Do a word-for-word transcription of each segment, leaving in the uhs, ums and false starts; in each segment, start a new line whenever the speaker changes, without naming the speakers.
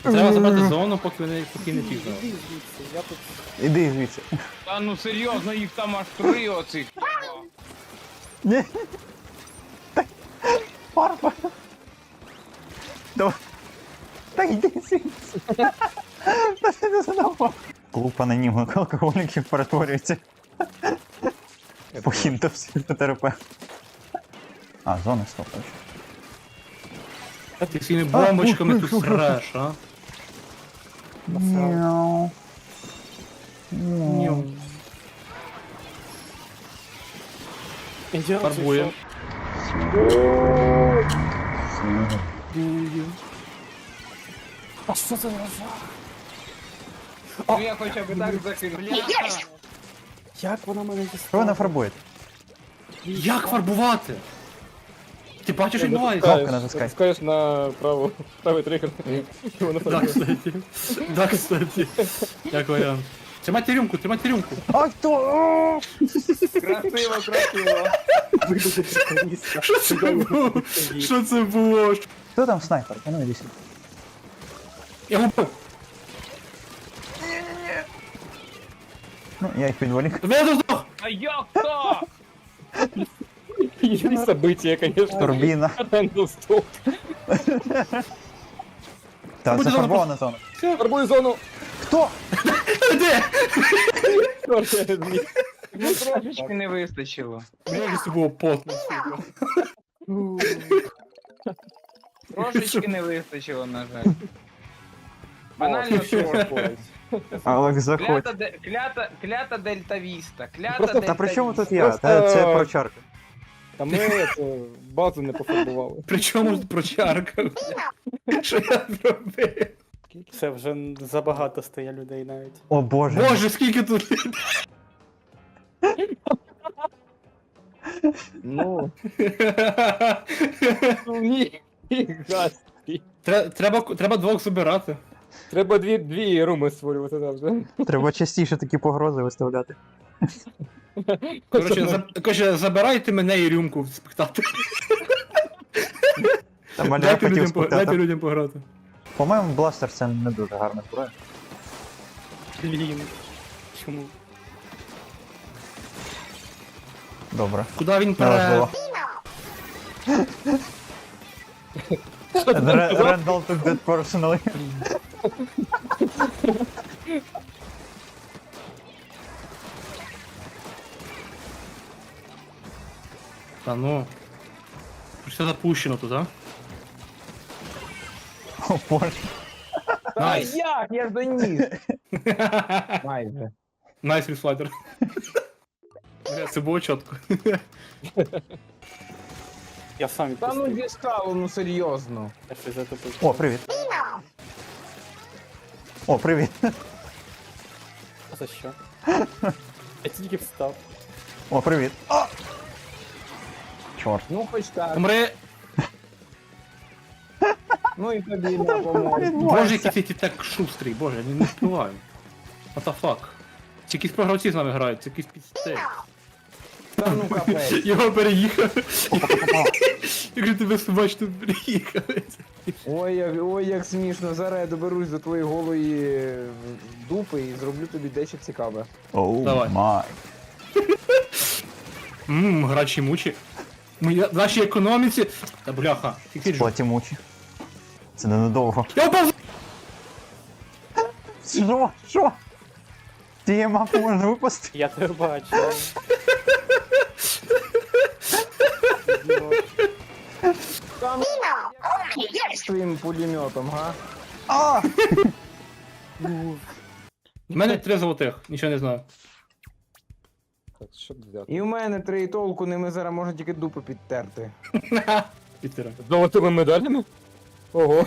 Треба забрати зону, поки вони поки не пізно.
Іди звідси, я тут...
Іди звідси.
Та ну серйозно, їх там аж три оцих.
Ні. Фарба. Давай. Та йди звідси. Та ти не задавав. Клуб анонімних алкоголіків перетворюється. Похінто психотерапевт. А, зона стопаєш.
Ти своїми бомбочками тут среш, а?
Мяу. Мяу.
Ідіот,
Фарбує.
А що це за жах?
Ну я хоча б так закинув.
Як вона мене
Що
дістала?
вона фарбує?
Як фарбувати? Ти бачиш, що відбувається?
Кнопку натискай.
Натискаєш на праву, правий тригер. І воно
Да,
фарбує.
кстати. Да, кстати. Як варіант. Тримайте рюмку, тримайте рюмку.
А хто?
Красиво, красиво.
Що це було? Що це було?
Хто там снайпер? А ну іди сюди.
Я губив.
Ну, я їх підволік.
Я здох!
А як то?
Є события, конечно.
Турбіна.
Рендл стоп.
Та
Буде
це
зона
фарбована зона.
Фарбую зону.
Хто?
Де?
Чорт, я зміг.
Ну трошечки не вистачило.
Бля, це було потно, сука.
Трошечки не вистачило, на жаль. Банально чорт.
Алекс, заходь.
Клята, де- клята, клята Дельта Віста. Клята
Просто-
Дельта
Та при чому тут
Віста.
я? Та
Просто-
це прочарка.
Та ми це, базу не пофарбували.
Причому ж прочарка? Що я зробив?
Це вже забагато стає людей навіть.
О боже.
Боже, скільки тут людей?
Ну. Ну ні. Газ.
Тре- Треба, треба двох забирати.
Треба дві, дві руми створювати там вже.
Треба частіше такі погрози виставляти.
Коротше, за, коротше, забирайте мене і рюмку в спектаторі.
Та мене
Дайте
хотів
людям, по- дайте
спитати.
людям пограти.
По-моєму, бластер це не дуже гарна зброя.
Блін. Чому?
Добре.
Куди він
Неважливо.
пере...
Ре- Randall took that personally.
Та ну. Все запущено тут, а?
О боже.
А
Найс.
як? Я доніс. Майже.
Найс рефлайтер. Бля, це було чітко.
Я сам
Та ну
відпустив.
дістало, ну серйозно.
Я щось затопив.
О, привіт. О, привіт.
А за що? Я тільки встав.
О, привіт. О! Чорт.
Ну хоч так.
Умри.
Ну і тобі на помогу.
Боже, який ти так шустрий, боже, я не, не впливаю. What the fuck? Ці якісь програвці з нами грають, це якийсь підстель.
Та ну капець.
Його переїхав. Якщо тебе собачно переїхав.
Ой, як, ой, як смішно. Зараз я доберусь до твоєї голої е, дупи і зроблю тобі дещо цікаве.
Оу
Давай.
май.
Ммм, грачі мучі. Ми в нашій економіці. Та бляха, тільки ж.
Платі мучі. Це ненадовго.
Я впав!
Що? Що? Ти мапу можна випустити?
Я тебе бачу.
Там з твоїм пулеметом, га?
А!
У мене три золотих, нічого не знаю.
Так, що тут взяти?
І в мене три і толку, ними зараз можна тільки дупу підтерти.
Пітера.
З золотими медалями? Ого.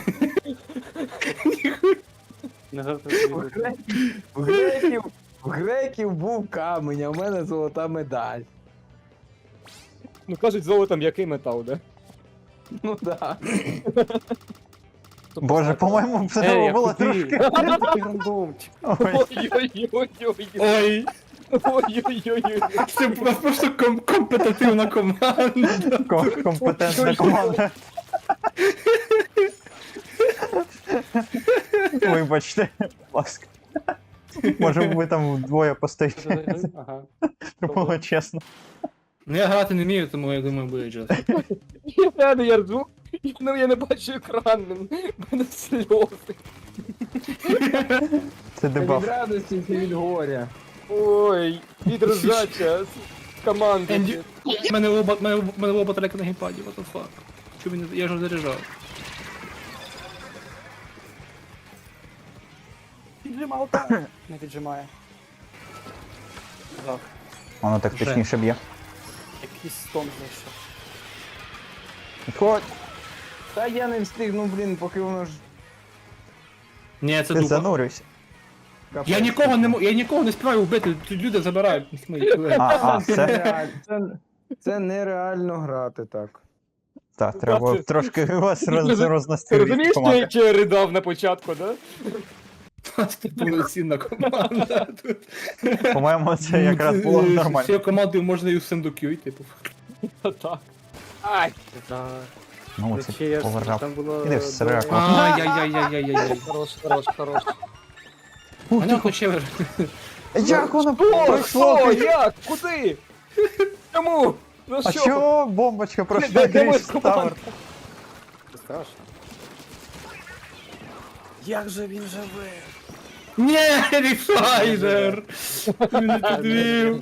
Не завтра
В
тобі
греків, в греків, в греків був камінь, а в мене золота медаль.
Ну кажуть, золотом який метал, да?
Ну да.
Боже, по-моєму, це
Ей,
треба
я
було
куди?
трошки.
Такий рандомчик.
Ой,
Ой-ой-ой-ой.
Ой,
Ой-ой-ой-ой.
це у нас просто ком компетитивна команда.
ко- компетентна команда. Вибачте, будь ласка. Може ви там вдвоє постоїте.
Ага.
Щоб було чесно.
Ну я грати не вмію, тому я думаю, буде джаз.
Я реально, я ржу, ну я не бачу екран, в мене сльози.
Це
Це
дебаф.
від радості, це від горя.
Ой, відрозача з команди.
Енді, в мене оба, в мене, в мене оба трека на геймпаді, what the fuck. Чому він не- я ж заряджав.
Піджимав так. Не піджимає. Так.
Воно так
Вже.
точніше б'є.
Якийсь стон знайшов.
Підходь.
Та я не встигну, блін, поки воно ж...
Ні, це
Ти
дупа.
занурюйся.
капець.
Я нікого не мо- я нікого не співаю вбити, тут люди забирають мої колеги.
А, а,
Це,
все.
нереаль- це, це нереально грати так.
Так, треба
Бачиш?
трошки вас роз,
Ти
рознести
розумієш,
від
що
команди.
я чи я ридав на початку, да?
Це повноцінна команда тут.
По-моєму, це якраз було
З
нормально.
цією командою можна і у Сендокю, типу.
Так. Ай!
Так.
Ну, це
Чесно,
поважав.
там було...
Іди в сраку.
Ай-яй-яй-яй-яй-яй.
Хорош, хорош, хорош.
Мене хоче.
Як воно
О,
пройшло?
що? Як? Куди? Чому? Ну
А
що?
чого бомбочка
Де-
пройшла
де моя
крізь
команда?
тавер?
Це страшно. Як же він живе?
Ні, Ріфайдер! Він не підвів.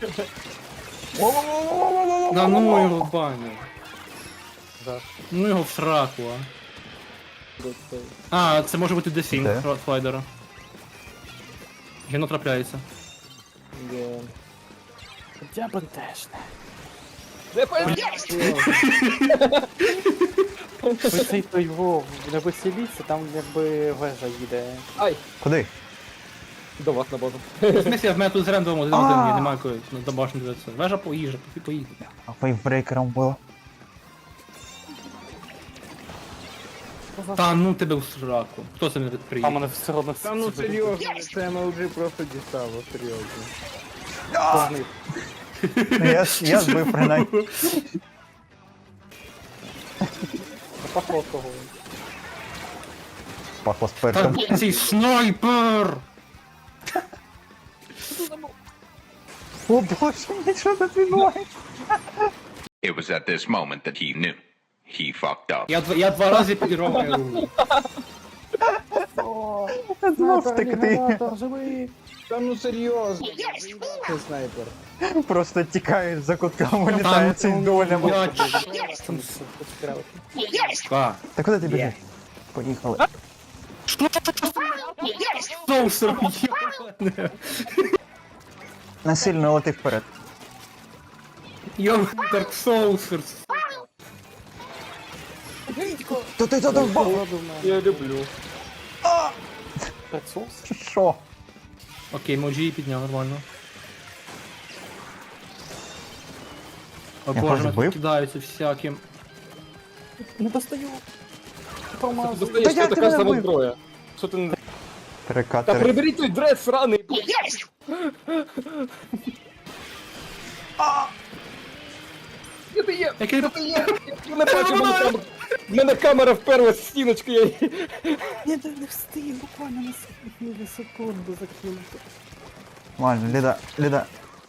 На ну його в баню.
Так.
Ну його в сраку, а. А, це може бути дефінг
Де?
Ротфайдера. Гіно трапляється.
Я бентежне.
Де пойдеш?
Ось цей той його не веселіться, там якби вежа їде.
Ай,
Куди?
до вас на базу.
В смысле, в мене тут з рендомом один один,
А.
є, немає якої на домашню дивитися. Вежа поїжджа, поки поїде.
А вейвбрейкером було.
Та ну тебе в сраку. Хто це не
А
приїде?
мене все одно
Та ну серйозно, це ем ел джі просто дістало, серйозно.
Погнив.
Ну, Я, ж- я збив принаймні.
Запахло кого.
Пахло
Та
спиртом.
цей снайпер!
О боже мій, що тут відбувається?
It was at this moment that he knew. He fucked up.
Я, два- я два рази підірвав моє руку.
Я знов втекти.
Живий!
Та ну серйозно, це снайпер.
Просто тікає за кутком, вилітає цей долями.
Я
Там все поцікавити.
чка.
Та куди ти біжиш? Поїхали.
Соусер, йобане.
Насильно лети вперед.
Йо, Dark Soulser.
То ти туди впав?
Я люблю.
Соус?
Що?
Окей, Моджі підняв нормально. О
Я
боже,
вас
мене
збив?
тут кидаються всяким.
Не достаю.
Ти
Промазав.
достаєш,
Та я
що така
тебе
сама
вбив.
зброя. Що ти не... Та
Перекатери.
приберіть той дрес сраний. Де ти є?
Який
Де ти є? Я не бачу, в мене камера- в мене камера вперлась в стіночку, я її...
Ні, не встиг, буквально на секунду, на секунду закинути.
Ладно, Ліда, Ліда.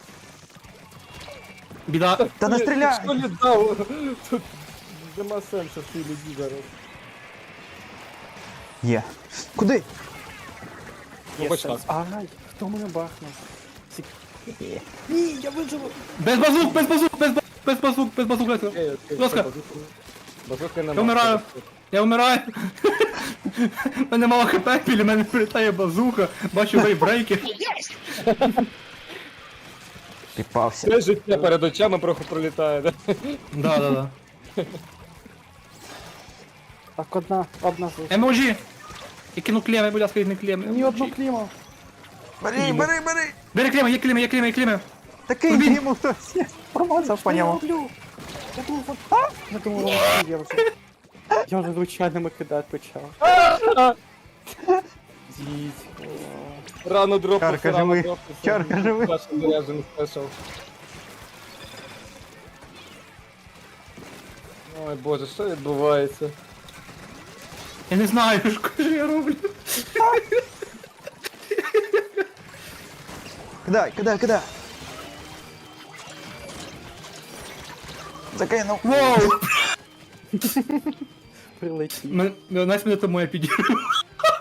Біда.
Та не стріляй!
Що не дав? Тут нема сенсу в цій люді зараз.
Є. Куди?
Є
Побач
сенс.
так.
Ай, хто мене бахнув? Сік- Ні, я виживу.
Без базук, без базук, без базук, без базук, без базук, Леся.
Е, е,
ласка.
базуки- Базуки нема.
Я вмираю. Я вмираю. У мене мало хп, біля мене прилітає базука, бачу вейбрейки.
Піпався.
Все життя перед очами трохи пролітає, да?
Да, да, да.
Так, одна, одна залишилась.
Емоджі! Я кину клеми, будь ласка, не клеми.
Ні одну кліму.
Бери, бери, бери!
Бери клеми, є клеми, є клеми, є клеми.
Такий
Блін.
йому хтось. Я промазав по
Що я
ньому.
роблю? Я думав, от... Я думав, от я вже... Я вже звичайними кидати почав. Дідько.
Рано дропнув,
Чарка
рано
живий.
дропнув.
Чарка живий.
Саша заряджений спешл. Ой боже, що відбувається?
Я не знаю, що я роблю.
Кидай, кидай, кидай. Закинув.
Воу!
Прилетів.
Мен- Знаєш, мене тому я підірвав.